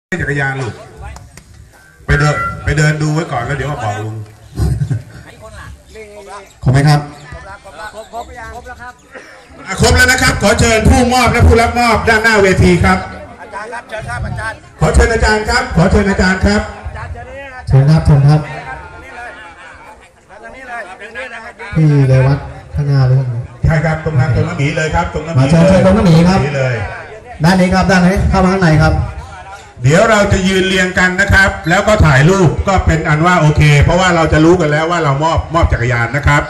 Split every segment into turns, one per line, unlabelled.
จักรยานลูกไปเดินดูไว้ก่อนแล้วเดี๋ยวมาบอกลุง
ครบไหมครับ
ครบแล้วครับ
ครบแล้วนะครับขอเชิญผู้มอบและผู้รับมอบด้านหน้าเวทีครับ
อาจารย์ครับเชิญครับอาจารย์
ขอเชิญอาจารย์ครับขอเชิญอาจารย์ครับ
เชิญครับพี่เรวัตข้างหน้าเลย
ใช่ครับตรงนั้นตรงน้ำหมีเลยครับตรงน้ำหมี
เชิญตรงน้ำหมีครับ
เลย
ด้านนี้ครับด้านนี้เข้ามาข้างในครับ
เดี๋ยวเราจะยืนเรียงกันนะครับแล้วก็ถ่ายรูปก็เป็นอันว่าโอเคเพราะว่าเราจะรู้กันแล้วว่าเรามอบจักรยานนะครับ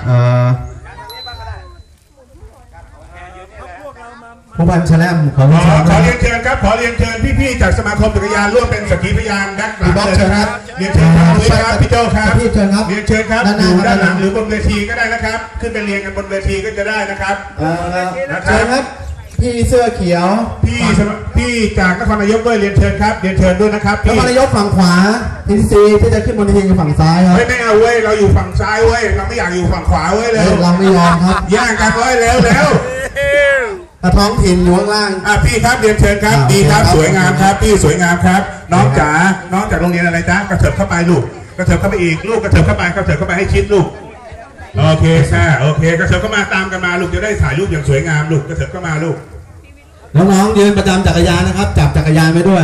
ผู้พันแชลมขอเ
รียนเชิญครับขอเรียนเชิญพี่ๆจากสมาคมจักรยานร่วมเป็นสักขีพยานนัก
พี่บ๊อบเชิญครับ
เรียนเชิญครับพี่โจครับ
พี่เชิญครับ
เรียนเชิญครับอยู่ด้านหลังหรือบนเวทีก็ได้นะครับขึ้นไปเรียงกันบนเวทีก็จะได้นะครับ
เชิญครับพี่เสื้อเขียว
พี่จากนครนายกด้วยเรียนเชิญครับเรียนเชิญด้วยนะครับ
นครนายกฝั่งขวาทีซีที่จะขึ้นบนเวทีฝั่งซ้ายครับ
ไม่เอาเว้ยเราอยู่ฝั่งซ้ายเว้ยเราไม่อยากอยู่ฝั่งขวาเว้ยเลย
เราไม่ยอมครับ
แย่งกันไว้แล้ว
ท้องถิ่นอยู่ข้างล่าง
พี่ครับเรียนเชิญครับดีครับสวยงามครับพี่สวยงามครับน้องจ๋าน้องจากโรงเรียนอะไรจ๊ะกระเถิบเข้าไปลูกกระเถิบเข้าไปอีกลูกกระเถิบเข้าไปให้ชิดลูกโอเคค่ะโอเคกระเถิบเข้ามาตามกันมาลูกจะได้ถ่ายรูปอย่างสวยงามลูกกระเถิบเข้ามาลูก
น้องๆยืนประจำจักรยานนะครับจับจักรยานไว้ด้วย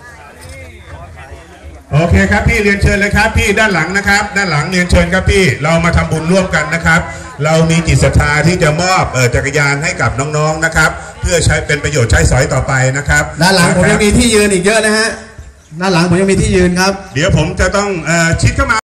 โอเคครับพี่เรียนเชิญเลยครับพี่ด้านหลังนะครับด้านหลังเรียนเชิญครับพี่เรามาทำบุญร่วมกันนะครับเรามีจิตศรัทธาที่จะมอบจักรยานให้กับน้องๆนะครับเพื่อใช้เป็นประโยชน์ใช้สอยต่อไปนะครับ
ด้านหลังผมยังมีที่ยืนอีกเยอะนะฮะด้านหลังผมยังมีที่ยืนครับ
เดี๋ยวผมจะต้องชิดเข้ามา